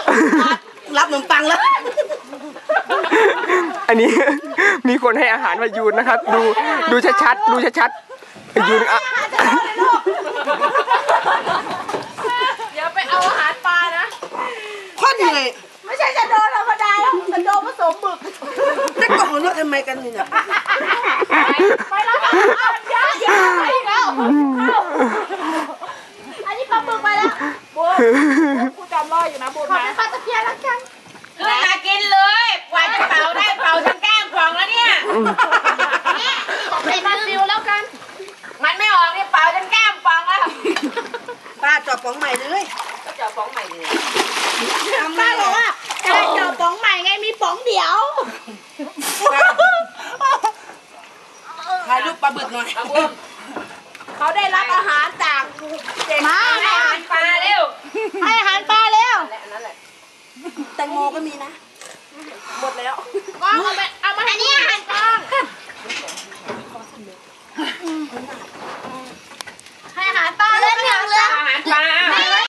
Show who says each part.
Speaker 1: รับขนมปังแล้ว
Speaker 2: อันนี้มีคนให้อาหารพยูนนะครับดูชัดๆดูชัดๆพยูนอ่ะ
Speaker 3: เดี๋ยวไปเอาอาหารปลานะ
Speaker 1: ข้อเหนื่อย
Speaker 3: ไม่ใช่จะโดนธรรมดาแล้วจะโดนผสมหมึก
Speaker 1: จะกล่องรถทำไมกันเนี่ย
Speaker 3: ไปแล้วอย่าไปแล้วอันนี้ปลาหมึกไปแล้วบัวกูจำรออยู่นะบัวนะขอเป็นปลาตะเพียนแล้วกัน
Speaker 4: ขึ้นมากินเลยกว่าจะเป่าได้เป่าทั้งแก้มกล่องแล้วเนี่ย
Speaker 3: ไปมาซิวแล้วกัน
Speaker 4: มันไม่ออกเนี่ยเป่าทั้งแก้มกล่องแล้ว
Speaker 1: ป้าจอบป๋องใหม่เลย
Speaker 4: ก็จะฟ้องใหม่เลย
Speaker 3: ป้าบอกว่าจะได้เจอป๋องใหม่ไงมีป๋องเดียว
Speaker 1: ถ่ายรูปปลาบึกหน่อย
Speaker 3: เขาได้รับอาหารจากเด็ก
Speaker 4: มาให้อาหารปลาเร็ว
Speaker 3: ให้อาหารปลาเร็ว
Speaker 4: นั่นแหละ
Speaker 1: แตงโมก็มีนะ
Speaker 3: หมดแล้วก้องเอามาให้นี่อาหารก้องให้อาหารปลาเลย
Speaker 4: อาหารปลา